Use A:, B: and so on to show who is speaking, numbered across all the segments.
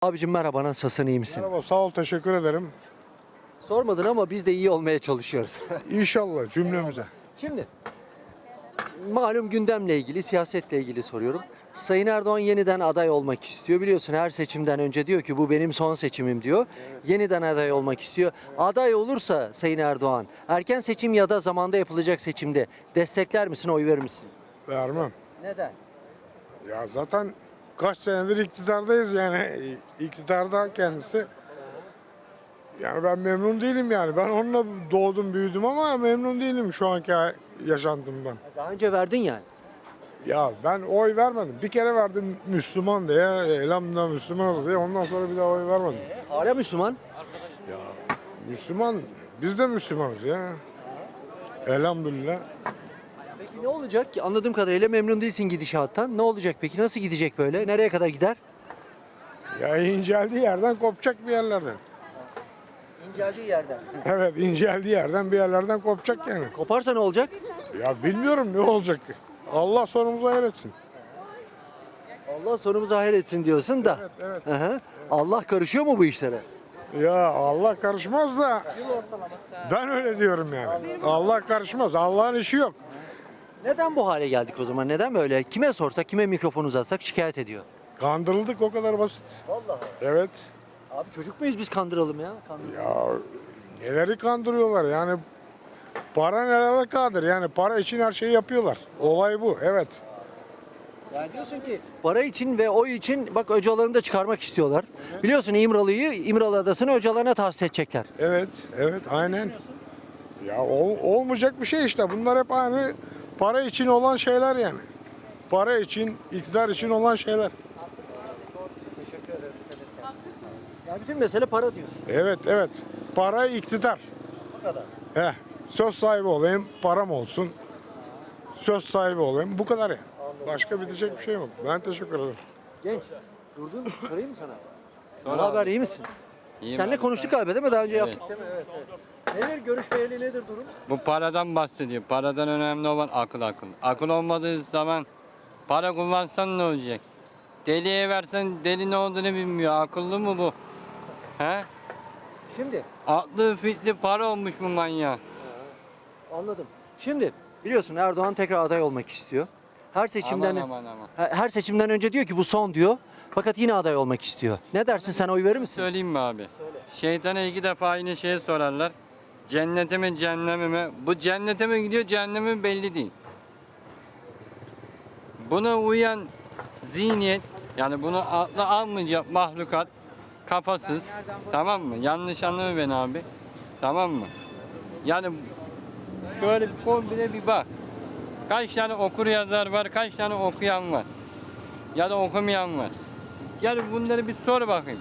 A: Abicim merhaba, nasılsın, iyi misin?
B: Merhaba, sağ ol, teşekkür ederim.
A: Sormadın ama biz de iyi olmaya çalışıyoruz.
B: İnşallah cümlemize.
A: Şimdi malum gündemle ilgili, siyasetle ilgili soruyorum. Sayın Erdoğan yeniden aday olmak istiyor. Biliyorsun her seçimden önce diyor ki bu benim son seçimim diyor. Yeniden aday olmak istiyor. Aday olursa Sayın Erdoğan erken seçim ya da zamanda yapılacak seçimde destekler misin, oy verir misin?
B: Vermem.
A: Neden?
B: Ya zaten kaç senedir iktidardayız yani. İktidarda kendisi. Yani ben memnun değilim yani. Ben onunla doğdum, büyüdüm ama memnun değilim şu anki yaşantımdan.
A: Daha önce verdin yani.
B: Ya ben oy vermedim. Bir kere verdim Müslüman diye, elhamdülillah Müslüman oldu diye. Ondan sonra bir daha oy vermedim.
A: Hala Müslüman.
B: Müslüman, biz de Müslümanız ya. Elhamdülillah.
A: Peki ne olacak ki? Anladığım kadarıyla memnun değilsin gidişattan. Ne olacak peki? Nasıl gidecek böyle? Nereye kadar gider?
B: Ya inceldiği yerden kopacak bir yerlerden.
A: İnceldiği yerden.
B: Evet, inceldiği yerden bir yerlerden kopacak yani.
A: Koparsa ne olacak?
B: Ya bilmiyorum ne olacak. Allah sonumuzu hayretsin.
A: Allah sonumuzu hayır etsin diyorsun da.
B: Evet, evet.
A: Hı hı. Allah karışıyor mu bu işlere?
B: Ya Allah karışmaz da ben öyle diyorum yani. Allah karışmaz. Allah'ın işi yok.
A: Neden bu hale geldik o zaman? Neden böyle? Kime sorsak, kime mikrofon uzatsak şikayet ediyor.
B: Kandırıldık, o kadar basit.
A: Vallahi.
B: Evet.
A: Abi çocuk muyuz biz kandıralım ya?
B: Ya neleri kandırıyorlar yani, para nelere kadir yani, para için her şeyi yapıyorlar. Olay bu, evet.
A: Yani diyorsun ki para için ve oy için bak Öcalan'ı da çıkarmak istiyorlar. Biliyorsun İmralı Adası'nı Öcalan'a tahsis edecekler.
B: Evet, evet, aynen. Ya olmayacak bir şey işte. Bunlar hep aynı para için olan şeyler yani. Para için, iktidar için olan şeyler.
A: Teşekkür ederim. Ya bütün mesele para diyorsun.
B: Evet, evet. Para, iktidar.
A: Bu kadar.
B: Söz sahibi olayım, param olsun. Söz sahibi olayım. Bu kadar ya. Başka bitecek bir şey yok. Ben teşekkür ederim.
A: Genç, durdun. Sorayım mı sana?
C: Sor
A: Ne
C: abi.
A: haber, iyi misin?
C: İyiyim
A: Seninle
C: abi,
A: konuştuk
C: sen?
A: galiba değil mi? Daha önce
C: Evet.
A: yaptık değil mi? Evet, evet. Nedir görüşmeyeli, nedir durum?
C: Bu paradan bahsediyor. Paradan önemli olan akıl. Akıl olmadığı zaman para kullansan ne olacak? Deliye versen deli ne olduğunu bilmiyor. Akıllı mı bu? He?
A: Şimdi
C: Aklı fitli para olmuş bu manyak.
A: anladım. Şimdi biliyorsun Erdoğan tekrar aday olmak istiyor. Her seçimden
C: Aman.
A: her seçimden önce diyor ki bu son diyor. Fakat yine aday olmak istiyor. Ne dersin, sen oy verir misin?
C: Söyleyeyim mi abi? Şeytana 2 defa aynı şeyi sorarlar. Cennete mi cehenneme mi? Bu cennete mi gidiyor cehenneme mi belli değil. Buna uyan zihniyet, yani bunu akla almayacak mahlukat, kafasız, tamam mı? Yanlış anlama beni abi, tamam mı? Yani şöyle bir kombine bir bak. Kaç tane okur yazar var, kaç tane okuyan var. Ya da okumayan var. Gel bunları bir sor bakayım.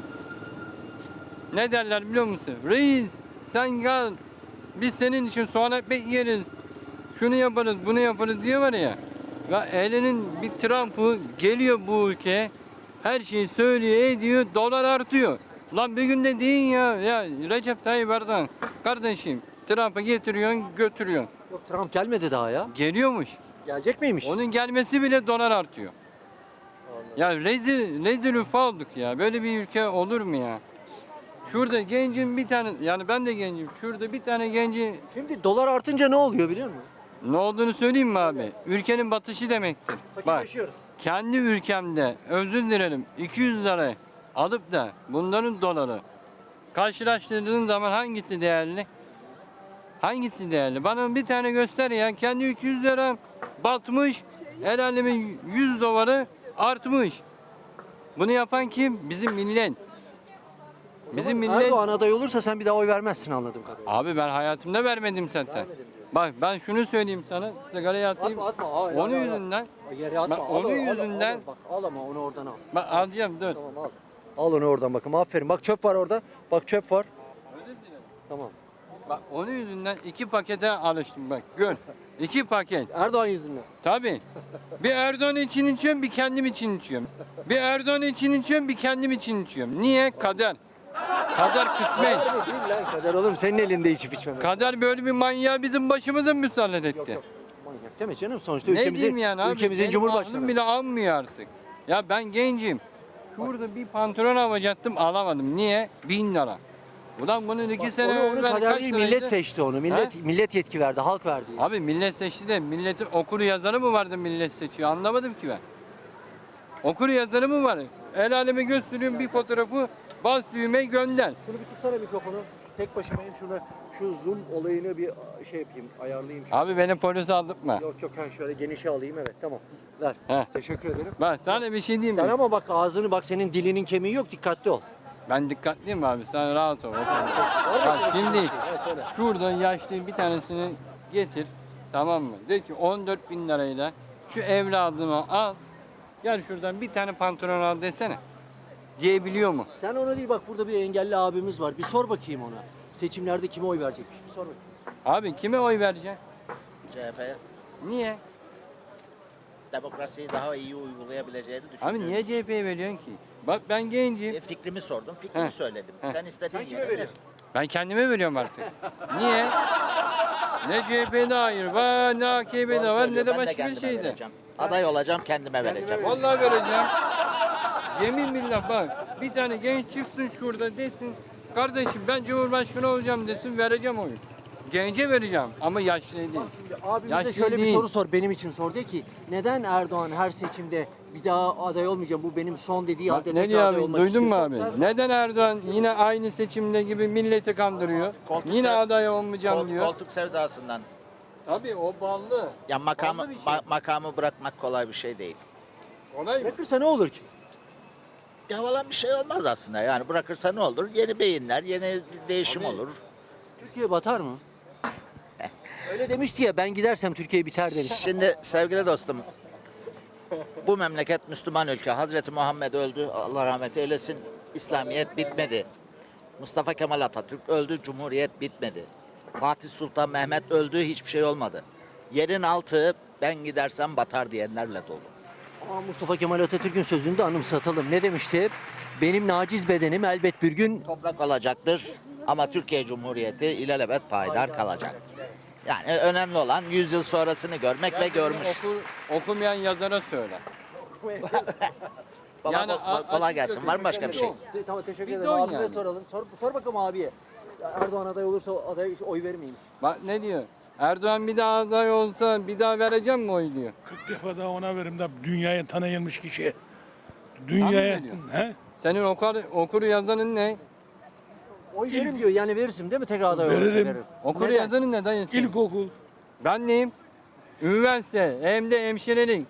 C: Ne derler biliyor musun? Reis sen gel, biz senin için soğan ekmek yeriz. Şunu yaparız, bunu yaparız diyorlar ya. Ya elinin bir Trump'ı geliyor bu ülkeye. Her şeyi söylüyor, ediyor, dolar artıyor. Lan bir günde deyin ya Recep Tayyip Erdoğan kardeşim, Trump'ı getiriyorsun, götürüyorsun.
A: Yok, Trump gelmedi daha ya.
C: Geliyormuş.
A: Gelecek miymiş?
C: Onun gelmesi bile dolar artıyor. Ya rezil rüfa olduk ya. Böyle bir ülke olur mu ya? Şurada gencin bir tane, yani ben de gencim. Şurada bir tane genci
A: Şimdi dolar artınca ne oluyor biliyor musun?
C: ne olduğunu söyleyeyim mi abi? Ülkenin batışı demektir. Bak,
A: Fakirleşiyoruz.
C: kendi ülkemde özür dilerim 200 lira alıp da bunların doları karşılaştırdığın zaman hangisi değerli? Hangisi değerli? Bana bir tane göster ya. Kendi 200 lira batmış, el alemin 100 doları artmış. Bunu yapan kim? Bizim millet. Bizim millet.
A: Erdoğan aday olursa sen bir daha oy vermezsin anladığım kadarıyla.
C: Abi ben hayatımda vermedim zaten.
A: Vermedim diyor.
C: Bak ben şunu söyleyeyim sana. Sigarayı atayım.
A: Atma. Hayır,
C: Onun
A: hayır,
C: yüzünden.
A: Yere atma.
C: Ben
A: Al,
C: onun
A: al,
C: yüzünden.
A: Bak al ama onu oradan al.
C: Bak alacağım dur.
A: Tamam al. Al onu oradan bakın. Aferin. Bak çöp var orada. Bak çöp var. Tamam.
C: Bak onun yüzünden 2 pakete alıştım bak. Gör. 2 paket.
A: Erdoğan yüzünden.
C: Tabii. Bir Erdoğan için içiyorum, bir kendim için içiyorum. Bir Erdoğan için içiyorum, bir kendim için içiyorum. Niye? Kader. Kader kısmet.
A: Kader değil lan, kader oğlum. Senin elinde içip içmemek.
C: Kader böyle bir manyağı bizim başımıza müsaade etti.
A: Yok. Manyak deme canım. Sonuçta
C: Ne diyeyim yani abi?
A: ülkemizin
C: Benim
A: cumhurbaşkanı.
C: aklım bile almıyor artık. Ya ben gencim. Şurada bir pantolon alacaktım, alamadım. Niye? 1000 lira. Ulan bunun 2 sene
A: Onu
C: evvel
A: kader
C: kaç
A: değil,
C: liraydı?
A: millet seçti onu. Millet yetki verdi, halk verdi.
C: Abi millet seçti de milletin okur yazarı mı vardı millet seçiyor? Anlamadım ki ben. Okur yazarı mı var? El aleme gösteriyorum bir fotoğrafı, bas düğme gönder.
A: Şunu bir tutsana mikrofonu. Tek başımayım şunu. Şu zoom olayını bir şey yapayım, ayarlayayım. Şunu.
C: Abi beni polis aldırtma.
A: Yok yok, ben şöyle genişe alayım, evet tamam. Ver.
C: Heh.
A: Teşekkür ederim.
C: Bak sana bir şey diyeyim
A: Sen
C: mi?
A: ama bak ağzını, bak senin dilinin kemiği yok, dikkatli ol.
C: Ben dikkatliyim abi, sen rahat ol.
A: Var mı
C: Bak
A: senin
C: şimdi
A: kemiğin? Evet, söyle.
C: şurada yaşlı bir tanesini getir, tamam mı? De ki 14 bin lirayla şu evladımı al, gel şuradan bir tane pantolon al desene. Diyebiliyor mu?
A: Sen ona değil, bak burada bir engelli abimiz var. Bir sor bakayım ona. Seçimlerde kime oy verecekmiş? Bir sor bakayım.
C: Abi kime oy vereceksin?
D: CHP'ye
C: Niye?
D: demokrasiyi daha iyi uygulayabileceğini düşünüyorum.
C: Abi niye CHP'ye veriyorsun ki? Bak ben gencim.
D: Fikrimi sordum, fikrimi
C: Heh.
D: söyledim.
C: Heh.
D: Sen istediğin
A: Sen kime
D: yere ver.
A: veriyorsun?
C: Ben kendime veriyorum artık. Niye? Ne CHP'de hayır var, ne AKP'de
D: Doğru
C: var, ne
D: söylüyor,
C: de
D: ben
C: başka bir
D: kendime
C: şeyde.
D: vereceğim. Aday olacağım, kendime vereceğim.
C: Vallahi vereceğim. Yemin billah bak, bir tane genç çıksın şurada desin, kardeşim ben Cumhurbaşkanı olacağım desin, vereceğim oyu. Gence vereceğim ama yaşlı değil.
A: Şimdi abimize
C: Yaşlı
A: şöyle bir
C: değil.
A: soru sor, benim için sor. De ki neden Erdoğan her seçimde bir daha aday olmayacağım, bu benim son dediği
C: Bak,
A: halde
C: ne
A: tekrar
C: diyor
A: aday
C: abi,
A: olmak
C: duydun mu
A: istiyorsa-
C: abi?
A: Sen sor.
C: Neden Erdoğan yine aynı seçimde gibi milleti kandırıyor?
D: Koltuk
C: Yine
D: sev-
C: aday olmayacağım diyor.
D: Koltuk sevdasından.
C: Tabii o ballı.
D: Ya makamı,
C: Ballı bir şey.
D: makamı bırakmak kolay bir şey değil.
C: Olay mı?
A: Bırakırsa ne olur ki?
D: Bir havalan bir şey olmaz aslında. Yani bırakırsa ne olur? Yeni beyinler, yeni bir değişim
C: Abi,
D: olur.
A: Türkiye batar mı? Öyle demişti ya, ben gidersem Türkiye biter demiş.
D: Şimdi sevgili dostum, bu memleket Müslüman ülke. Hazreti Muhammed öldü, Allah rahmet eylesin. İslamiyet bitmedi. Mustafa Kemal Atatürk öldü, Cumhuriyet bitmedi. Fatih Sultan Mehmet öldü, hiçbir şey olmadı. Yerin altı ben gidersem batar diyenlerle dolu.
A: Ama Mustafa Kemal Atatürk'ün sözünü de anımsatalım. Ne demişti hep? Benim naciz bedenim elbet bir gün...
D: Toprak olacaktır ama Türkiye Cumhuriyeti ilelebet payidar kalacak. Yani önemli olan 100 yıl sonrasını görmek ve görmüş.
C: Okumayan yazara söyle.
D: Baba,
C: Yani
D: kolay
C: açık
D: gelsin.
C: sözle
D: Var mı başka bir şey?
A: Tamam, teşekkür
C: Bir
A: ederim.
C: don
A: Abime
C: yani.
A: soralım. Sor bakalım abiye. Erdoğan aday olursa aday oy vermeymiş.
C: Bak ne diyor? Erdoğan bir daha aday olsa bir daha vereceğim mi oy diyor.
E: 40 defa daha ona verim de dünyaya tanıyılmış kişiye.
C: Sen mi
E: Dünyaya,
C: veriyorsun?
E: he?
C: Senin okur yazanın ne?
A: Oy verim diyor, yani verirsin değil mi tekrar aday olursa?
E: Veririm.
C: Okur
A: Neden?
C: yazanın ne dayısı?
E: İlkokul.
C: Ben neyim? Üniversite, hem de hemşirelik.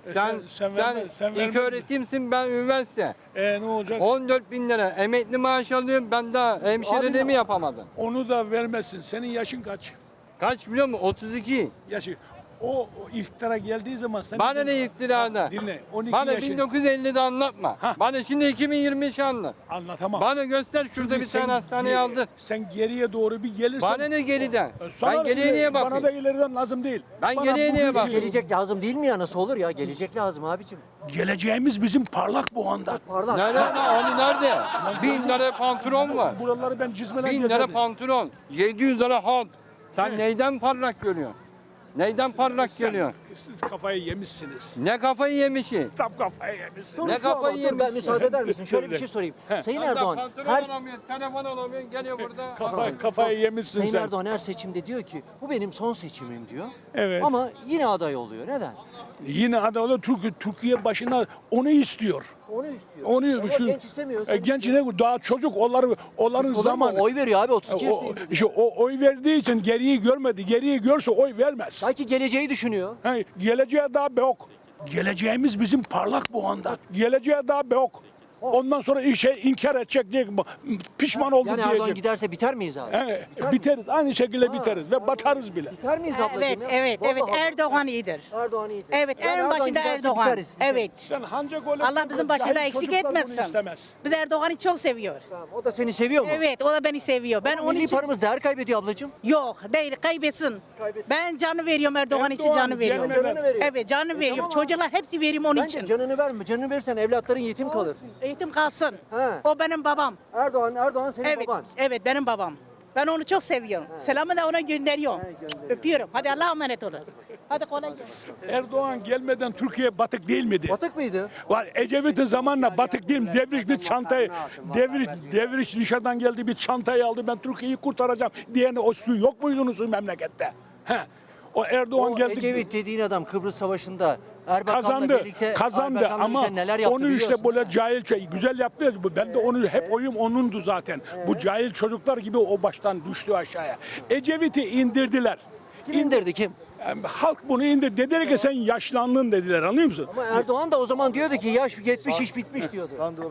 C: Sen ilk
E: vermez
C: öğretimsin, ben üniversite.
E: Ne olacak?
C: 14 bin lira emekli maaş alıyorum, ben daha hemşireliğimi yapamadım.
E: Onu da vermezsin. Senin yaşın kaç?
C: Kaç biliyor musun? 32.
E: Yaşı. O iktidara geldiği zaman sen...
C: Bana ne iktidarda?
E: Dinle. 12
C: Bana
E: yaşın.
C: 1950'de anlatma.
E: Hah.
C: Bana şimdi 2023 anlat.
E: Anlatamam.
C: Bana göster şurada
E: Çünkü
C: bir tane
E: sen
C: hastaneye aldı.
E: Sen geriye doğru bir gelirsen...
C: Bana ne geriden?
E: Sana
C: Ben
E: da
C: geriye niye
E: Bana da
C: bakayım?
E: ileriden lazım değil.
C: Ben
E: Bana
C: geriye niye
E: bugün-
C: bakayım?
A: Gelecek lazım değil mi ya? Nasıl olur ya? Gelecek lazım abicim.
E: Geleceğimiz bizim parlak bu anda.
A: Pardon.
C: Nerede lan? Onu nerede? 1000 lira pantolon var.
E: Buraları ben cizmeler
C: 1000 lira
E: gezerdim.
C: pantolon. 700 lira hat. Sen neyden parlak görüyorsun? Neyden parlak
E: Sen-
C: görüyorsun?
E: Siz kafayı yemişsiniz.
C: Ne kafayı yemişi?
E: Tam kafayı yemişsiniz.
A: Soru
C: Ne
A: şu ama,
C: kafayı
A: dur, ben
C: yemişsin?
A: müsaade eder misin? Şöyle bir şey sorayım. Sayın Erdoğan her
C: alamıyorsun, telefon alamıyorsun, geliyor burada.
E: Kafayı yemişsin
A: Sayın
E: sen.
A: Erdoğan her seçimde diyor ki bu benim son seçimim diyor.
E: Evet.
A: Ama yine aday oluyor. Neden?
E: Yine adalı Türkiye başına onu istiyor.
A: Onu istiyor.
E: Onu
A: Ama
E: şu
A: genç istemiyor. sen
E: genç
A: istiyorsun.
E: ne daha çocuk onların
A: Olur mu?
E: zamanı.
A: Oy veriyor abi 32
E: O,
A: yaşında.
E: işte o oy verdiği için geriyi görmedi. Geriyi görse oy vermez.
A: Belki geleceği düşünüyor.
E: Geleceğe daha yok. Geleceğimiz bizim parlak bu anda. Geleceğe daha yok. Ondan sonra inkar edecek diye pişman oldu
A: Yani Erdoğan
E: diyecek.
A: giderse biter miyiz abi? Biter
E: Biteriz. Aynı şekilde
A: Ha,
E: biteriz ve batarız bile.
A: Biter miyiz ablacığım
F: Evet,
A: ya?
F: evet,
A: Vallahi
F: evet.
A: bak.
F: Erdoğan iyidir.
A: Erdoğan iyidir.
F: Evet,
A: Yani
F: en
A: Erdoğan
F: başında
A: giderse
F: Erdoğan.
A: biteriz, biteriz.
F: Evet.
E: Sen hancak öyle
F: Allah bizim başında
E: cahil
F: eksik
E: çocuklar bunu
F: etmesin.
E: istemez.
F: Biz Erdoğan'ı çok seviyor.
A: Tamam, o da seni seviyor mu?
F: Evet, o da beni seviyor. Ben
A: Ama
F: onun
A: milli
F: için
A: paramız değer kaybediyor ablacığım.
F: yok, değil kaybetsin.
A: Kaybetsin.
F: Ben canı veriyorum Erdoğan için
E: Erdoğan
F: canı veriyorum.
E: canını
A: veriyor.
F: Evet, canı veriyorum.
A: tamam.
F: Çocuklar hepsi veriyorum onun
A: Bence
F: için.
A: canını verme. Canını verirsen evlatların yetim kalır.
F: Eğitim kalsın.
A: Ha.
F: O benim babam.
A: Erdoğan senin
F: Evet,
A: baban.
F: evet benim babam. Ben onu çok seviyorum. Selamı da ona gönderiyorum.
A: He, gönderiyor.
F: Öpüyorum. Hadi Allah'a emanet olun. Hadi kolay gelsin.
E: Erdoğan gelmeden Türkiye batık değil miydi?
A: Batık mıydı?
E: Var Ecevit'in zamanla batık değil mi? Devrik bir çantayı, devrik dışarıdan geldi bir çantayı aldı. Ben Türkiye'yi kurtaracağım diyen o su yok muydunuz memlekette? He. O Erdoğan
A: O
E: geldi.
A: Ecevit dediğin adam Kıbrıs Savaşı'nda Erbakan'la
E: Kazandı,
A: birlikte,
E: kazandı
A: Erbakan'la
E: ama
A: birlikte neler yaptı
E: onu işte
A: biliyorsun.
E: böyle cahil güzel yaptı. Ben de onu hep oyum onundu zaten. Bu cahil çocuklar gibi o baştan düştü aşağıya. Ecevit'i indirdiler.
A: Kim indirdi kim?
E: Yani halk bunu indir. Dediler ki sen yaşlandın dediler, anlıyor musun?
A: Ama Erdoğan da o zaman diyordu ki yaş 70 iş bitmiş diyordu.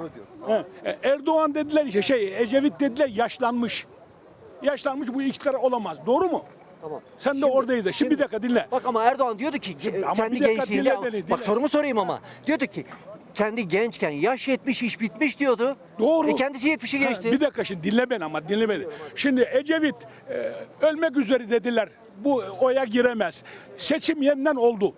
E: He. Erdoğan dediler işte Ecevit dediler yaşlanmış. Yaşlanmış bu iktidar olamaz. Doğru mu?
A: Tamam.
E: Sen de oradaydın. Şimdi bir dakika dinle.
A: Bak ama Erdoğan diyordu ki
E: ama
A: kendi
E: bir dakika
A: gençliğinde
E: dinle beni, dinle.
A: bak sorumu sorayım ama diyordu ki kendi gençken yaş 70 iş bitmiş diyordu.
E: Doğru.
A: Kendisi 70'i
E: Ha,
A: geçti.
E: bir dakika şimdi dinle beni ama dinle beni. Şimdi Ecevit ölmek üzere dediler. Bu oya giremez. Seçim yeniden oldu.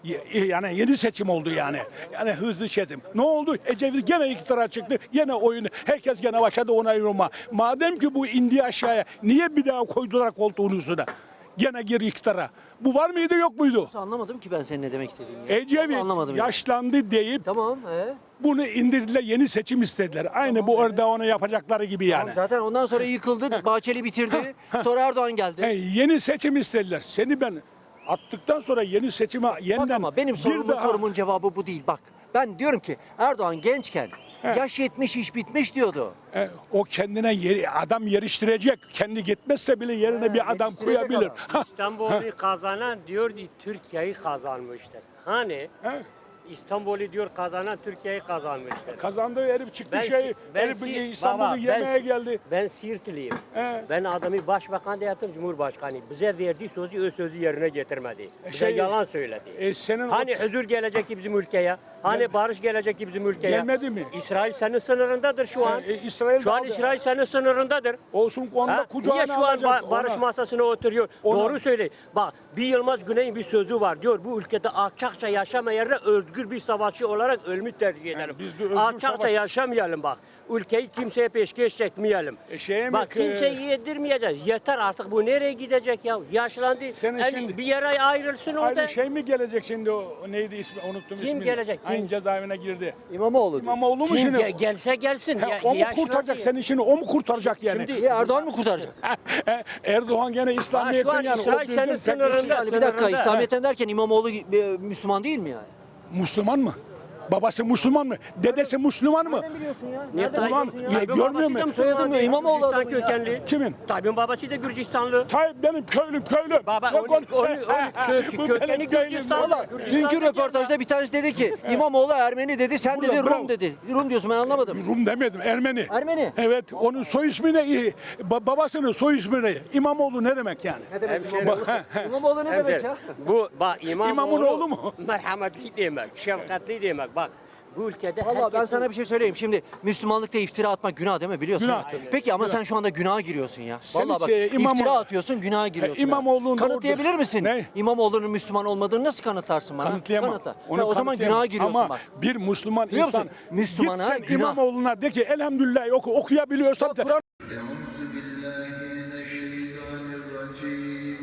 E: Yani yeni seçim oldu yani. Yani hızlı seçim. Ne oldu? Ecevit gene iktidara çıktı. Gene oyunu. Herkes gene başladı ona yoruma. Madem ki bu indi aşağıya niye bir daha koydular koltuğun üstüne? Gene geri iktidara. Bu var mıydı yok muydu?
A: Anlamadım ki ben senin ne demek istediğini. ya.
E: Ecevit
A: Anlamadım yani.
E: yaşlandı deyip
A: Tamam.
E: bunu indirdiler, yeni seçim istediler. Aynı bu Erdoğan'a yapacakları gibi yani.
A: Zaten ondan sonra yıkıldı. Bahçeli bitirdi. Sonra Erdoğan geldi.
E: Yeni seçim istediler. Seni ben attıktan sonra yeni seçime
A: Bak
E: yeniden
A: ama benim sorumun cevabı bu değil. Bak ben diyorum ki Erdoğan gençken yaş 70 iş bitmiş diyordu.
E: o kendine adam yeriştirecek. Kendi gitmezse bile yerine bir adam
A: Yeriştirecek
E: koyabilir.
A: adam.
G: İstanbul'u kazanan diyor ki Türkiye'yi kazanmıştır. Hani
E: He.
G: İstanbul'u diyor kazanan Türkiye'yi kazanmıştır.
E: Kazandığı herif çıktı herif İstanbul'u
G: baba,
E: yemeğe geldi.
G: Ben Siirtliyim.
E: He.
G: Ben adamı başbakan da yaptım, cumhurbaşkanı. Bize verdiği sözü o sözü yerine getirmedi. Bize
E: şey-
G: yalan söyledi.
E: Senin
G: Hani huzur gelecek ki bizim ülkeye? Hani barış gelecek ki bizim ülkeye?
E: Gelmedi mi?
G: İsrail senin sınırındadır şu an.
E: İsrail
G: Şu an İsrail senin sınırındadır.
E: olsun onda
G: Ha?
E: kucağına
G: Niye şu an
E: alacak
G: barış
E: ona.
G: masasına oturuyor?
E: Ona-
G: Doğru söyle. Bak bir Yılmaz Güney'in bir sözü var diyor. Bu ülkede alçakça yaşama yerine özgür bir savaşçı olarak ölümü tercih edelim.
E: biz de özgür
G: Alçakça
E: savaş-
G: yaşamayalım bak. Ülkeyi kimseye peşkeş çekmeyelim.
E: Şeye mi
G: Bak
E: ki-
G: kimseyi yedirmeyeceğiz. Yeter artık bu nereye gidecek ya? Yaşlandı.
E: Senin
G: Yani
E: şimdi-
G: bir yere ayrılsın orada.
E: Aynı şey mi gelecek şimdi o neydi ismi unuttum
G: Kim
E: ismini.
G: gelecek, kim?
E: Aynı cezaevine girdi.
A: İmamoğlu diyor.
E: İmamoğlu mu
G: Kim
E: şimdi?
G: gelse gelsin.
E: He,
G: Ya-
E: o mu
G: yaşlandı
E: kurtaracak
G: ya.
E: senin işini? O mu kurtaracak yani?
G: Şimdi-
A: Niye Erdoğan mı kurtaracak?
E: Erdoğan gene İslamiyet'ten
G: Ha, şu an
E: yani
G: İsrail
E: o düzgün
G: senin
E: tek-
G: sınırında.
A: Yani bir dakika
G: Sınırında,
A: İslamiyet'ten derken İmamoğlu Müslüman değil mi yani?
E: Müslüman mı? Babası Müslüman mı? Dedesi Müslüman mı?
A: Nereden biliyorsun ya?
G: Niye
A: Nereden
E: Ulan,
A: biliyorsun ya?
G: Tayyip'in
E: görmüyor
G: babası da
E: musun?
G: Müslüman
A: Soyadı mı?
G: değil,
A: İmamoğlu
G: Gürcistan
A: adamı ya.
G: kökenli.
E: Kimin?
G: Tayyip'in babası da Gürcistanlı.
E: Tayyip benim köylüm.
G: Baba
E: Yok,
G: onun
E: Bu
G: kökeni
E: benim köylüm.
G: Gürcistanlı.
A: Valla dünkü röportajda bir tanesi dedi ki İmamoğlu Ermeni dedi, sen
E: Burada,
A: dedi Rum
E: bravo.
A: dedi. Rum diyorsun ben anlamadım.
E: Rum demedim, Ermeni.
A: Ermeni.
E: Evet, onun soy ismi ne? Babasının soy ismi ne? İmamoğlu ne demek yani?
A: Ne demek
G: Hemşerim.
A: İmamoğlu? İmamoğlu ne demek ya?
G: Bu bak
E: İmamın oğlu mu?
G: merhametli demek, şefkatli demek. Bak bu ülkede
A: Valla ben
G: herkesin-
A: sana bir şey söyleyeyim. Şimdi Müslümanlıkta iftira atmak günah değil mi? Biliyorsun.
E: Günah.
A: değil mi? Peki ama sen şu anda günaha giriyorsun ya.
E: Sen
A: Valla bak
E: hiç, İmamoğlu-
A: iftira atıyorsun, günaha giriyorsun. ya.
E: İmamoğlu'nun
A: Kanıtlayabilir
E: orada-
A: misin?
E: Ne?
A: İmamoğlu'nun Müslüman olmadığını nasıl kanıtlarsın bana?
E: Kanıtlayamam.
A: Kanıtla.
E: Onu
A: Ha, o zaman
E: kanıtlayamam.
A: günaha giriyorsun
E: Ama
A: bak.
E: bir Müslüman
A: Biliyor
E: insan
A: musun? Müslümana
E: git sen
A: günah.
E: İmamoğlu'na de ki elhamdülillah okuyabiliyorsan
A: Kur'an
H: أعوذ بالله من الشيطان الرجيم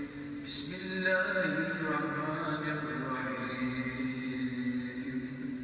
H: بسم الله الرحمن الرحيم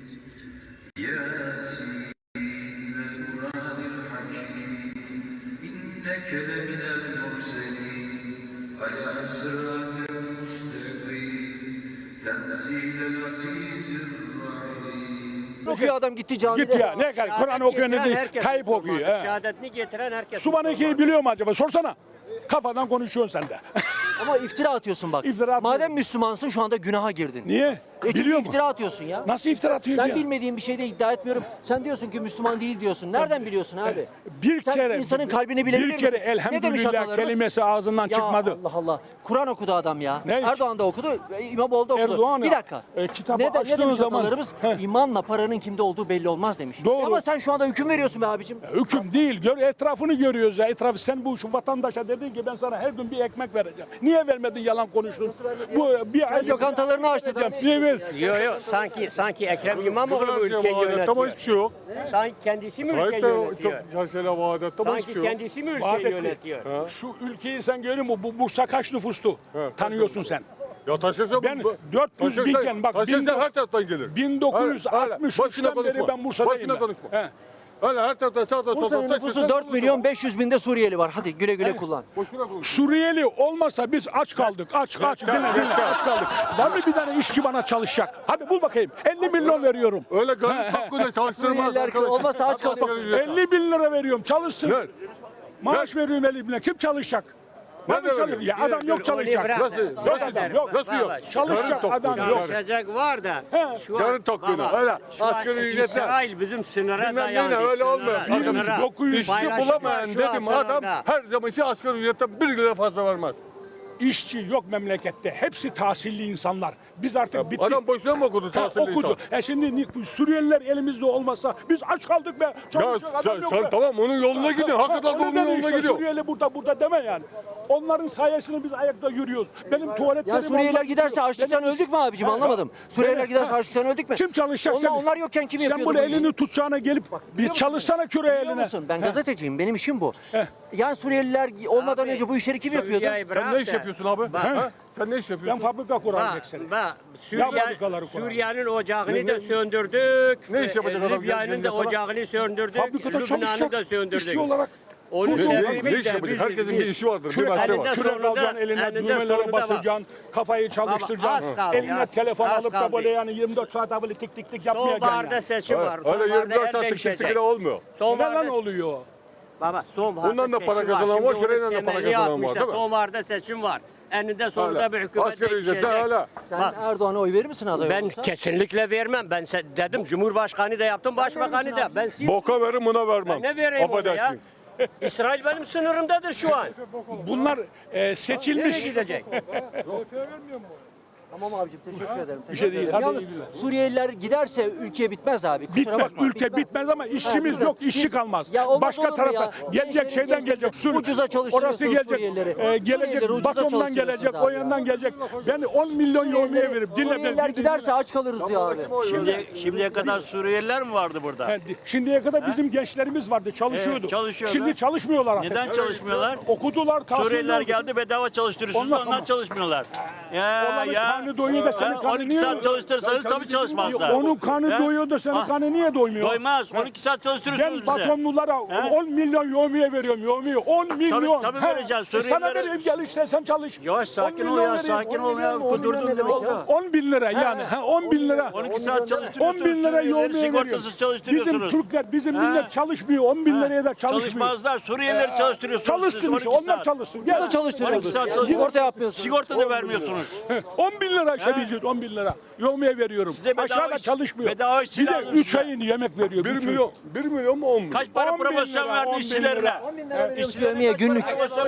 H: ياسين والقرآن الحكيم إنك لمن المرسلين على صراط مستقيم تنزيل العزيز الرحيم
A: okuyor adam gitti camide.
E: git ya. Ne kadar Kur'an okuyor ne
G: Getiren
E: değil.
G: herkes
E: Tayyip
G: Müslüman.
E: okuyor. he.
G: Şehadetini getiren herkes
E: Subhaneke'yi
G: Müslüman.
E: biliyor mu acaba? Sorsana. Kafadan konuşuyorsun sen de.
A: Ama iftira atıyorsun bak.
E: İftira atmıyorum.
A: Madem Müslümansın şu anda günaha girdin.
E: Niye?
A: Çünkü
E: Biliyor mu?
A: iftira atıyorsun ya.
E: Nasıl iftira atıyor
A: Ben
E: ya?
A: bilmediğim bir şey de iddia etmiyorum. Sen diyorsun ki Müslüman değil diyorsun. Nereden biliyorsun abi?
E: Bir
A: Sen
E: kere
A: insanın kalbini bilebilir
E: bir kere
A: misin? Ne demiş
E: elhamdülillah
A: atalarımız?
E: kelimesi ağzından
A: Ya
E: çıkmadı.
A: Allah Allah. Kur'an okudu adam ya.
E: Ne?
A: Erdoğan da okudu, İmamoğlu da okudu.
E: Erdoğan
A: bir
E: ya,
A: dakika.
E: kitabı
A: ne
E: açtığın
A: demiş
E: zaman-
A: atalarımız?
E: Heh.
A: İmanla paranın kimde olduğu belli olmaz demiş.
E: Doğru.
A: Ama sen şu anda hüküm veriyorsun be abicim.
E: Hüküm değil. Etrafını görüyoruz ya. Etrafı sen bu şu vatandaşa dedin ki ben sana her gün bir ekmek vereceğim. Niye vermedin yalan konuştun? Bu bir ay
A: lokantalarını aç dedin.
E: Evet.
G: Yok yok sanki Ekrem İmamoğlu mu ülkeyi yönetiyor?
B: hiçbir şey yok.
G: Sanki kendisi mi ülkeyi
B: Tayyip de çok
G: yönetiyor?
B: mesela vaadette ama hiçbir
G: Sanki
B: şey yok.
G: kendisi mi
E: Vaat
G: ülkeyi
E: etti.
G: yönetiyor?
E: Şu ülkeyi sen görüyor musun? Bu Bursa kaç nüfustu? Tanıyorsun sen.
I: Ya taşırsa
E: Ben 400 binken bak
I: taşırsa her taraftan gelir.
E: 1963'ten beri ben Bursa'dayım.
I: Başına konuşma.
E: He.
I: Öyle her taraftan sağda solda
A: Bursa'nın nüfusu 4 milyon 500 binde Suriyeli var. Hadi güle güle kullan.
I: Boşuna konuş.
E: Suriyeli olmasa biz aç kaldık. Aç dinle aç kaldık. Var mı bir tane işçi bana çalışacak? Hadi bul bakayım. 50 milyon veriyorum.
I: Öyle garip hakkında çalıştırmaz.
A: Suriyeliler olmasa aç kalıyor.
E: 50 bin lira veriyorum. Çalışsın.
I: Ver.
E: Maaş veriyorum 50 bin lira. Kim çalışacak?
I: Nerede
E: Nasıl çalışacak? Ya adam yok çalışacak.
I: Nasıl
E: Adam yok.
I: Nasıl yok?
E: Çalışacak
I: Karın
E: adam
I: tokluğuna,
E: yok.
G: Çalışacak var da.
E: He.
G: Şu
I: Yarın tokluğuna.
G: baba,
I: Öyle
G: şu an
I: asgari ücretle.
G: İsrail bizim sınıra
I: Bilmem
G: dayandı.
I: neyle öyle olmuyor.
G: Sınıra.
I: Adam
G: Sınıra.
E: 900
I: İşçi
G: Paylaşım
I: bulamayan
G: var şu
I: dedim
G: an
I: adam
G: sınırda.
I: her zaman için asgari ücretten 1 lira fazla vermez.
E: İşçi yok memlekette. Hepsi tahsilli insanlar. Biz artık bittik.
I: Adam boşuna mı okudu
E: Ha,
I: tahsilli
E: okudu.
I: insan?
E: Şimdi Suriyeliler elimizde olmasa biz aç kaldık be.
I: Ya
E: Çalışacak adam yok be.
I: sen tamam onun yoluna gidiyor. Hakikaten
E: Öyle
I: onun
E: deme
I: yoluna
E: işte,
I: gidiyor.
E: Suriyeli burada deme yani. Onların sayesinde biz ayakta yürüyoruz. Benim tuvaletlerim...
A: Ya Suriyeliler
E: onlar
A: giderse
E: gidiyor.
A: açlıktan
E: Benim-
A: öldük mü abicim
E: Ha,
A: anlamadım. Suriyeliler giderse açlıktan öldük mü?
E: Kim çalışacak?
A: Onlar yokken kim
E: Sen
A: yapıyordu
E: bunu
A: bu işi?
E: elini tutacağına gelip bir çalışsana küre
A: Biliyor
E: eline.
A: musun? Ben gazeteciyim. Benim işim bu.
E: Heh.
A: Yani Suriyeliler olmadan
G: Abi,
A: önce bu işleri kim yapıyordu?
G: Suriye'yi
I: Sen
G: bırak
I: ne iş
G: da.
I: yapıyorsun abi?
G: Bak.
I: Ha? Sen ne iş
E: Ben
I: yapıyorsun?
E: fabrika kurarım seni.
G: Bak,
E: fabrikaları kuralım.
G: Suriye'nin ocağını da söndürdük.
I: Ne iş yapacak adam?
G: Libya'nın da
I: Mesela?
G: ocağını söndürdük.
E: Fabrikada
G: Lübnan'ı da
E: çalışacak.
G: söndürdük.
E: İşçi olarak.
G: Onu
E: Kursun.
G: söndürdük
I: Ne iş
G: de
I: yapacak?
G: biz-
I: Herkesin bir
G: biz-
I: işi vardır. Bir
E: Küre,
I: mesleği
G: elinde
I: var.
E: küre
G: sonunda-
E: alacaksın eline,
G: eninde
E: düğmelere
G: sonunda
E: basacaksın, kafayı çalıştıracaksın.
G: az kaldı,
E: Eline
G: az-
E: telefon
G: az
E: alıp da
G: kaldı.
E: böyle yani 24 saat böyle tik tik tik yapmayacaksın
G: Sonbaharda
E: yani.
G: seçim var.
I: Öyle
G: Sonbaharda
I: 24
G: el
I: saat
G: değişecek.
I: tık olmuyor.
E: Neden
G: Sonbaharda
E: oluyor?
G: Baba sonbaharda
I: Bundan da para
G: seçim var.
I: kazanan
G: Şimdi
I: var,
G: onun
I: küreyle de para
G: temelini
I: kazanan var,
G: atmışlar.
I: değil mi?
G: Sonbaharda seçim var. Eninde sonunda
I: Öyle.
G: bir hükümet
I: Asgari ücretten
G: değişecek.
I: öyle.
A: Sen
G: Bak.
A: Erdoğan'a oy verir misin aday
G: Ben
A: olursa?
G: kesinlikle vermem. Ben dedim Cumhurbaşkanı da yaptım, Başbakanı da. Ben
I: Boka verin buna vermem.
G: ne vereyim ona ya?
I: Affedersin.
G: İsrail benim sınırımdadır şu an.
E: Bunlar
G: Nereye
E: seçilmiş.
G: gidecek?
A: Tamam abicim teşekkür ederim.
E: Bir şey değil, hadi
A: Yalnız
E: iyi günler.
A: Suriyeliler giderse ülke bitmez abi. Kusura
E: Bitmez,
A: bakma.
E: ülke bitmez ama işçimiz
A: bitmez.
E: yok, işçi
A: Biz-
E: kalmaz.
A: Ya olmaz
E: Başka
A: olur mu
E: tarafa
A: ya?
E: gelecek
A: Gençlerin
E: şeyden gelecek.
A: ucuza çalıştırıyorsunuz
E: Orası gelecek,
A: Suriyelileri.
E: gelecek,
A: Suriyelileri ucuza
E: Batum'dan
A: çalıştırıyorsunuz
E: gelecek,
A: abi
E: o
A: ya.
E: yandan gelecek. Ben 10 milyon yoğurmaya verip dinle
A: Suriyeliler giderse aç kalırız diyor abi.
J: Şimdiye kadar Suriyeliler mi vardı burada?
E: Şimdiye kadar bizim gençlerimiz vardı, çalışıyordu.
J: Evet, çalışıyorlar.
E: Şimdi çalışmıyorlar artık.
J: Neden çalışmıyorlar?
E: Okudular, tahsil
J: Suriyeliler
E: oldu.
J: geldi bedava çalıştırıyorsunuz,
E: Onlar-
J: onlar çalışmıyorlar. Ya
E: Onların
J: ya.
E: karnı doyuyor da senin karnı
J: 12
E: niye?
J: saat çalıştırırsanız tabii çalışmazlar.
E: Onun karnı
J: He?
E: doyuyor da senin
J: Ah,
E: karnı niye doymuyor?
J: Doymaz. 12 saat çalıştırıyorsunuz
E: Ben
J: bize.
E: Batumlulara
J: He?
E: 10 milyon yoğurmaya veriyorum, yoğurmaya. 10 milyon.
J: tabii
E: He.
J: vereceğiz.
E: Sana
J: Suriyelilere-
E: vereyim, gel işte sen çalış.
J: Yavaş
E: 10
J: sakin ol
E: milyon
J: ya,
E: vereyim.
J: sakin
A: 10
J: ol ya.
A: milyon, 10 milyon
J: Kudurdun
A: ne
J: ne
A: demek
J: oldu?
A: ya?
E: 10 bin lira yani. 10 bin lira.
J: 12 saat
E: 10
J: çalıştırıyorsunuz.
E: bin lira
J: Suriyelileri
E: yoğurmaya veriyorum.
J: sigortasız
E: Bizim
J: çalıştırıyorsunuz.
E: Türkler, bizim
J: He.
E: millet çalışmıyor. 10 bin liraya da çalışmıyor.
J: Çalışmazlar. Suriyelileri çalıştırıyorsunuz. siz
E: Çalışsın işte,
J: 12
E: onlar
J: saat.
E: çalışsın.
A: Burada
E: Gel.
A: çalıştırıyoruz.
J: 12 saat çalışıyorsunuz.
A: Sigorta yapmıyorsunuz.
J: Sigorta da vermiyorsunuz.
E: 10 bin lira işte bildiğin 10 bin lira. Yoğurmaya veriyorum.
J: Size bedava
E: Aşağıda
J: iş-
E: çalışmıyor.
J: bedava işçi
E: Bir de
J: lazım
E: 3
J: size.
E: ayın yemek veriyor.
I: 1
E: üç ay.
I: milyon. 1 milyon mu 10 milyon?
J: Kaç para
E: 10 bin
J: promosyon
E: lira,
J: verdi
E: 10 bin
J: işçilerine?
E: lira.
A: 10 bin lira veriyormuş dövmeye günlük.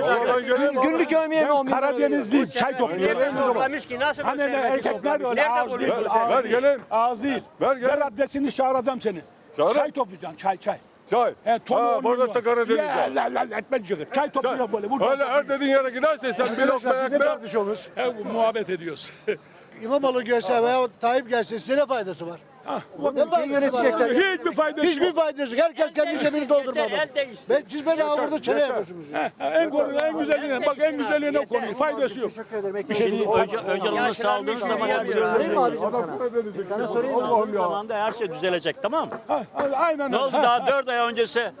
A: Günlük övmeye mi 10 bin lira veriyor?
E: Karadenizli çay topluyor.
G: Yemek toplamış ki nasıl
E: Hani
G: bu
E: ne
G: serveti
E: erkekler
G: toplamış?
E: öyle
G: Nerede
E: ağız değil.
G: buluyor bu
E: Ağız
G: serveti?
I: Ver
E: değil.
I: gelin.
E: Ağız değil.
I: Ver gelin.
E: Ver adresini çağıracağım seni.
I: Çağırın.
E: Çay toplayacaksın çay.
I: Çay.
E: He, tonu
I: Ha,
E: 10
I: burada
E: milyon.
I: da Karadeniz
E: Ya,
I: var.
E: la, etme cıgır. Çay topluyor böyle. Buradan
I: Öyle her dediğin yere gidersen sen bir lokma ekmek.
E: He, muhabbet ediyoruz.
K: İmamoğlu gelse veya Tayyip gelse size ne faydası var?
A: Ülkeyi yönetecekler.
E: Hiçbir faydası
K: Hiçbir
E: yok.
K: faydası yok. Herkes kendi cebini doldurmalı.
G: El değişti.
K: Ben siz beni avurda çene yapıyorsunuz.
E: En güzeline bak en güzeline konuyu. Faydası yok.
A: Teşekkür ederim.
J: Öcalan'ı saldığınız zaman
A: Sorayım mı abicim sana? Sana sorayım mı?
J: Allah'ım zamanda her şey düzelecek, tamam mı?
E: Aynen
J: Ne oldu
E: öyle.
J: daha 4 ay öncesi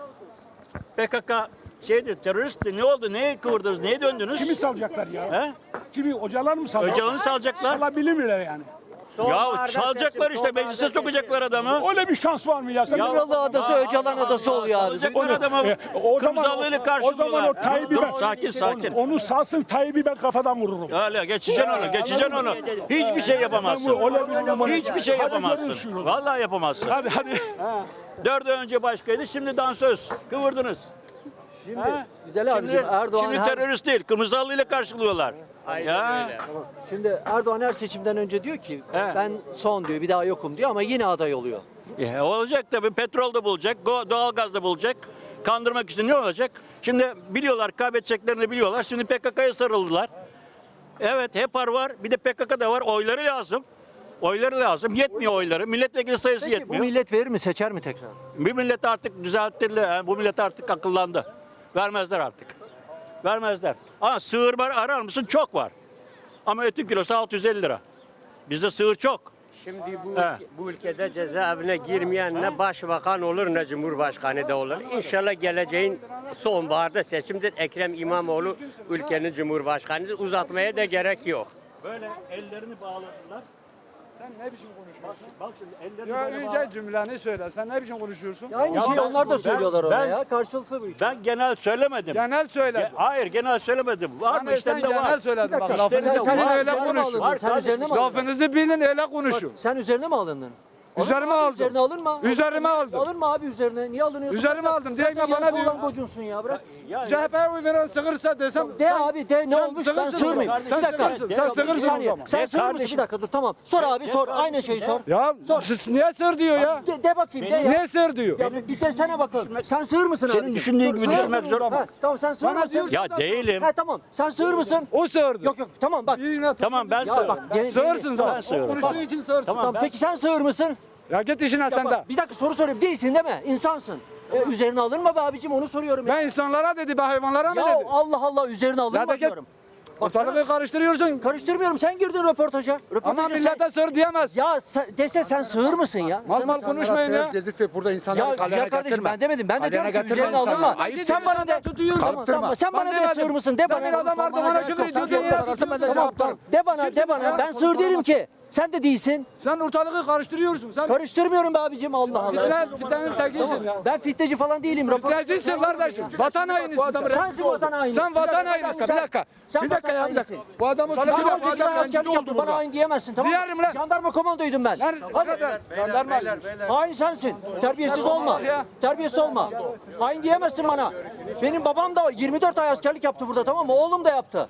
J: PKK teröristti. Ne oldu? Neye kıvırdınız? Neye döndünüz?
E: Kimi salacaklar ya?
J: He?
E: Kimi hocalar mı salacaklar?
J: Öcalan'ı salacaklar.
E: Salabilirler yani.
J: Ya salacaklar işte meclise sokacaklar adamı.
E: Öyle bir şans var mı ya? Sen
A: İmralı Adası Öcalan Adası oluyor abi.
J: Salacaklar adamı.
E: o zaman
J: Kırmızı
E: o
J: karşılıyorlar.
E: zaman o Tayyip'i
J: Dur,
E: ben
J: sakin sakin.
E: onu salsın Tayyip'i ben kafadan vururum.
J: Öyle geçeceksin onu, geçeceksin onu. Hiçbir şey yapamazsın. Hiçbir şey yapamazsın. Vallahi yapamazsın.
E: Hadi.
J: 4 ay önce başkaydı, şimdi dansöz. Kıvırdınız.
A: Şimdi
J: Ha?
A: güzel abicim Erdoğan
J: Şimdi
A: her,
J: terörist değil, kırmızı halıyla karşılıyorlar. Ya.
A: şimdi Erdoğan her seçimden önce diyor ki
J: He.
A: ben son diyor bir daha yokum diyor ama yine aday oluyor.
J: Olacak tabii, petrol de bulacak, doğalgaz da bulacak. Kandırmak için ne olacak? Şimdi biliyorlar, kaybedeceklerini biliyorlar. Şimdi PKK'ya sarıldılar. Evet, HEPAR var, bir de PKK da var. Oyları lazım. Oyları lazım. Yetmiyor oyları. Milletvekili sayısı
A: Peki bu
J: yetmiyor.
A: millet verir mi seçer mi tekrar?
J: Bu millet artık düzelttirdi. Bu millet artık akıllandı. Vermezler artık. Vermezler. Ama sığırma arar mısın? Çok var. Ama etin kilosu 650 lira. Bizde sığır çok.
G: Şimdi
J: He.
G: bu ülkede cezaevine girmeyen ne başbakan olur ne cumhurbaşkanı da olur. İnşallah geleceğin sonbaharda seçimde Ekrem İmamoğlu ülkenin cumhurbaşkanıdır. Uzatmaya da gerek yok.
J: Böyle ellerini bağladılar.
K: Sen ne biçim konuşuyorsun?
J: Bak şimdi ellerini
K: Ya
J: böyle
K: önce cümleni söyle. Sen ne biçim konuşuyorsun?
A: Aynı
J: Ya
A: şeyi
J: ben-
A: onlar da söylüyorlar orada
J: ben-
A: ya. Karşılıklı bu iş.
J: Ben genel söylemedim.
K: Genel söyle.
J: Hayır genel söylemedim. Var mı
K: Hani sen
J: işlemde
K: genel
J: var.
K: söyledin. Bak
A: dakika,
K: lafınızı
J: sen-
K: bilin
J: var,
K: öyle
A: üzerine mi
K: konuşun.
A: alındın? Sen üzerine mi alındın?
K: Lafınızı bilin öyle konuşun.
A: Sen üzerine mi alındın?
K: Üzerime
A: Alınma abi,
K: aldım.
A: Üzerine alınma.
K: Üzerime aldım.
A: Alınma abi üzerine. Niye alınıyorsun?
K: Üzerime
A: Bırak.
K: aldım. Direkt
A: Zaten
K: bana
A: yarısı
K: diyor.
A: olan gocunsun ya bırak.
K: CHP'ye oy veren sığırsa desem.
A: De abi de ne
K: sen
A: olmuş ben
K: sığırsın
A: sığır
K: o
A: mıyım?
K: zaman. Sen
A: Bir dakika.
K: sığırsın.
A: Bir
K: Sen
A: dakika, bir
K: sığırsın o
A: saniye.
K: zaman.
A: Sen
J: De
A: sığır mısın?
J: kardeşim.
A: Bir dakika dur tamam. Sor abi sor.
J: kardeşim,
A: Aynı şeyi sor.
K: Ya siz niye sığır diyor ya?
A: De bakayım de ya.
K: Niye sığır diyor?
A: Ya bir desene bakalım. Sen sığır mısın abi?
J: Senin düşündüğün gibi düşünmek zor.
A: Ha, tamam sen sığır
K: Bana
A: mısın?
K: diyorsun
J: Ya değilim.
A: Ha tamam. Sen sığır mısın?
K: O sığırdı.
A: Yok yok tamam bak.
J: Tamam ben
A: Ya
J: sığırım.
A: bak.
K: Sığırsın
J: Ben
K: zaten.
J: sığırım.
K: O konuştuğu için sığırsın.
A: Tamam peki sen sığır mısın?
K: Ya git işine
A: Ya
K: sen de.
A: bak, bir dakika soru soruyorum. Değilsin değil mi? İnsansın. Üzerine alınma be abicim onu soruyorum. Ya,
K: Ben insanlara dedi, ben hayvanlara mı
A: ya
K: dedi?
A: Allah Allah üzerine alınma
K: Ya da git.
A: diyorum.
K: Ortalığı karıştırıyorsun.
A: Karıştırmıyorum. Sen girdin röportaja.
K: Ama
A: Röportaja
K: millete sığır diyemez.
A: Ya dese sen sığır mısın ya?
K: Mal mal konuşmayın ya.
I: Dedik burada insanları
A: Ya güzel kardeşim ben demedim. Ben de diyorum ki üzerine alınma. Sen bana de. Tamam tamam. Sen bana de sığır mısın? De
K: Ben bir
A: bana.
K: adam vardı bana küfür ediyordu ya.
A: Tamam tamam. De bana. Ben sığır değilim ki. Sen de değilsin.
K: Sen ortalığı karıştırıyorsun. Sen
A: Karıştırmıyorum be abicim Allah Allah.
K: fitnenin tekisin.
A: Ben fitneci falan değilim.
K: Fitnecisin kardeşim. Vatan hainisin sen.
A: Sensin vatan haini.
K: Sen vatan hainisin.
A: Bir dakika. Sen
I: Bir dakika ya, bir dakika.
A: hainisin.
K: Bu adamı
A: Ben
K: tutuyor.
A: 18 ay askerlik yaptım. Bana hain diyemezsin tamam mı?
K: Diyelim lan.
A: Jandarma komandoydum ben. Hadi.
K: Jandarma.
A: Hain sensin. Terbiyesiz olma. Terbiyesiz olma. Hain diyemezsin bana. Benim babam da 24 ay askerlik yaptı burada tamam mı? Oğlum da yaptı.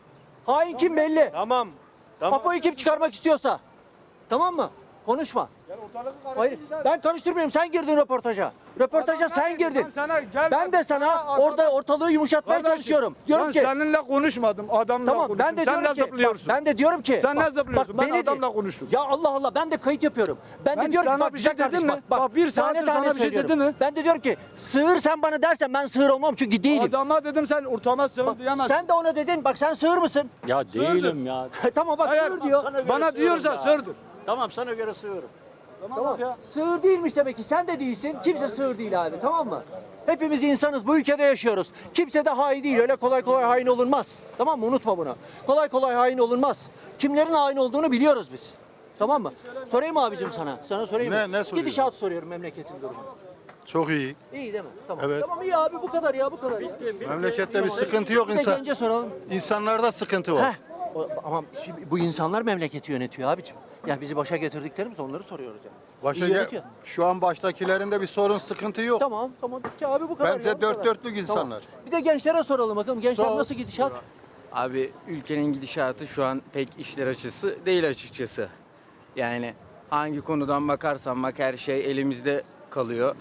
A: Hain kim belli.
K: Tamam.
A: Apo'yu kim çıkarmak istiyorsa. Tamam mı? Konuşma. Hayır, ben karıştırmıyorum. Sen girdin röportaja. Röportaja sen girdin. Ben de sana orada ortalığı yumuşatmaya çalışıyorum. Diyorum
K: Ben
A: ki
K: seninle konuşmadım. Adamla
A: tamam
K: konuştum.
A: ben de
K: Sen
A: diyorum
K: ne
A: ki
K: zıplıyorsun?
A: ben de diyorum ki
K: Sen ne zıplıyorsun? Ben
A: beni
K: adamla konuştum.
A: Ya Allah Allah ben de kayıt yapıyorum. Ben de
K: Ben
A: diyorum ki
K: sana
A: bak
K: bir şey
A: güzel
K: dedim
A: kardeşim,
K: mi? Bak, bir saattir sana bir şey
A: söylüyorum.
K: dedi mi?
A: Ben de diyorum ki sığır sen bana dersen ben sığır olmam çünkü değilim.
K: Adama dedim sen ortama sığır
A: Bak,
K: diyemezsin.
A: sen de ona dedin bak sen sığır mısın?
J: Ya değilim ya.
A: Tamam bak
K: Hayır,
A: sığır diyor.
J: Sana göre
K: Bana
J: sığırım
K: diyorsa
J: ya.
K: sığırdır.
J: Tamam sana göre sığırım.
A: Tamam. Sığır değilmiş demek ki. Sen de değilsin. Kimse sığır değil abi. Tamam mı? Hepimiz insanız. Bu ülkede yaşıyoruz. Kimse de hain değil. Öyle kolay kolay hain olunmaz. Tamam mı? Unutma bunu. Kolay kolay hain olunmaz. Kimlerin hain olduğunu biliyoruz biz. Tamam mı? Sorayım mı abicim sana? Sana sorayım mı?
I: Ne soruyorsun?
A: Gidişat soruyorum memleketin durumu.
I: Çok iyi.
A: İyi değil mi? Tamam.
I: Evet.
A: Tamam iyi abi bu kadar ya bu kadar ya.
I: Memlekette bir sıkıntı yok
A: Bir de
I: insan.
A: gence soralım.
I: İnsanlarda sıkıntı var.
A: Heh. Ama şimdi bu insanlar memleketi yönetiyor abicim. Ya bizi başa getirdiklerimiz onları soruyoruz yani.
I: Başa
A: İyi yönetiyor.
I: şu an baştakilerinde bir sorun, sıkıntı yok.
A: Tamam tamam bitti abi bu kadar
I: Bence
A: ya, bu
I: dört
A: kadar.
I: dörtlük insanlar.
A: Tamam. Bir de gençlere soralım bakalım gençler
I: Sor.
A: nasıl gidişat?
L: Abi ülkenin gidişatı şu an pek işler açısı değil açıkçası. Yani hangi konudan bakarsan bak her şey elimizde kalıyor.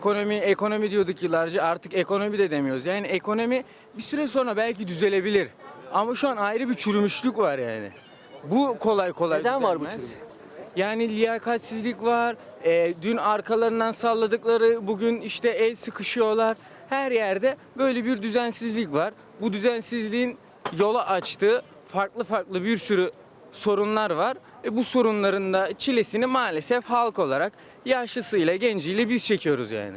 L: Ekonomi diyorduk yıllarca artık ekonomi de demiyoruz. Yani ekonomi bir süre sonra belki düzelebilir. Ama şu an ayrı bir çürümüşlük var yani. Bu kolay kolay
A: Neden var bu
L: düzelmez.
A: çürümüş?
L: Yani liyakatsizlik var. Dün arkalarından salladıkları bugün işte el sıkışıyorlar. Her yerde böyle bir düzensizlik var. Bu düzensizliğin yola açtığı farklı bir sürü sorunlar var. Bu sorunların da çilesini maalesef halk olarak yaşlısıyla genciyle biz çekiyoruz yani.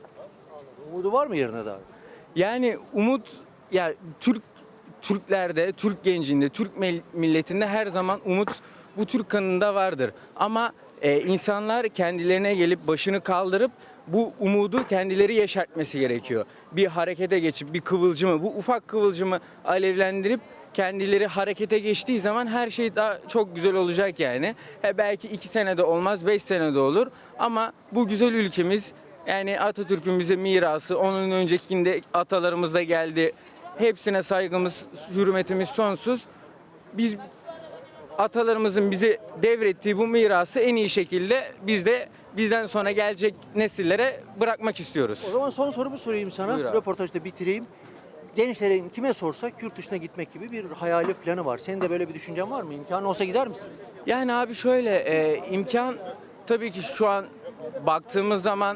A: Umudu var mı yerine daha?
L: Yani umut ya Türklerde, Türk gencinde, Türk milletinde her zaman umut bu Türk kanında vardır. Ama insanlar kendilerine gelip başını kaldırıp bu umudu kendileri yeşertmesi gerekiyor. Bir harekete geçip bir kıvılcımı, bu ufak kıvılcımı alevlendirip kendileri harekete geçtiği zaman her şey daha çok güzel olacak yani. Belki 2 senede olmaz, 5 senede olur ama bu güzel ülkemiz yani Atatürk'ün bize mirası, onun öncekinde atalarımız da geldi. Hepsine saygımız, hürmetimiz sonsuz. Biz atalarımızın bize devrettiği bu mirası en iyi şekilde bizden sonra gelecek nesillere bırakmak istiyoruz.
A: O zaman son sorumu sorayım sana.
L: Buyur abi.
A: Röportajda bitireyim. Gençlerin kime sorsak yurt dışına gitmek gibi bir hayali planı var. Senin de böyle bir düşüncen var mı? İmkanı olsa gider misin?
L: Yani abi şöyle imkan tabii ki şu an baktığımız zaman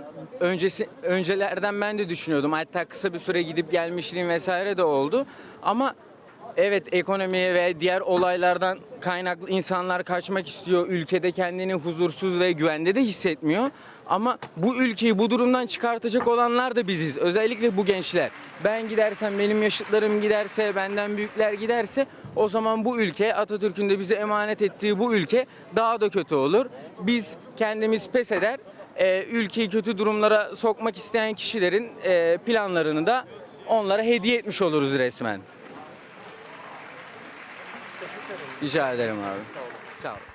L: öncelerden ben de düşünüyordum. Hatta kısa bir süre gidip gelmişliğim vesaire de oldu. Ama Evet, ekonomi ve diğer olaylardan kaynaklı insanlar kaçmak istiyor. Ülkede kendini huzursuz ve güvende de hissetmiyor. Ama bu ülkeyi bu durumdan çıkartacak olanlar da biziz. Özellikle bu gençler. Ben gidersem, benim yaşıtlarım giderse, benden büyükler giderse o zaman bu ülke, Atatürk'ün de bize emanet ettiği bu ülke daha da kötü olur. Biz kendimiz pes eder, ülkeyi kötü durumlara sokmak isteyen kişilerin planlarını da onlara hediye etmiş oluruz resmen. Rica ederim abi. Sağ ol.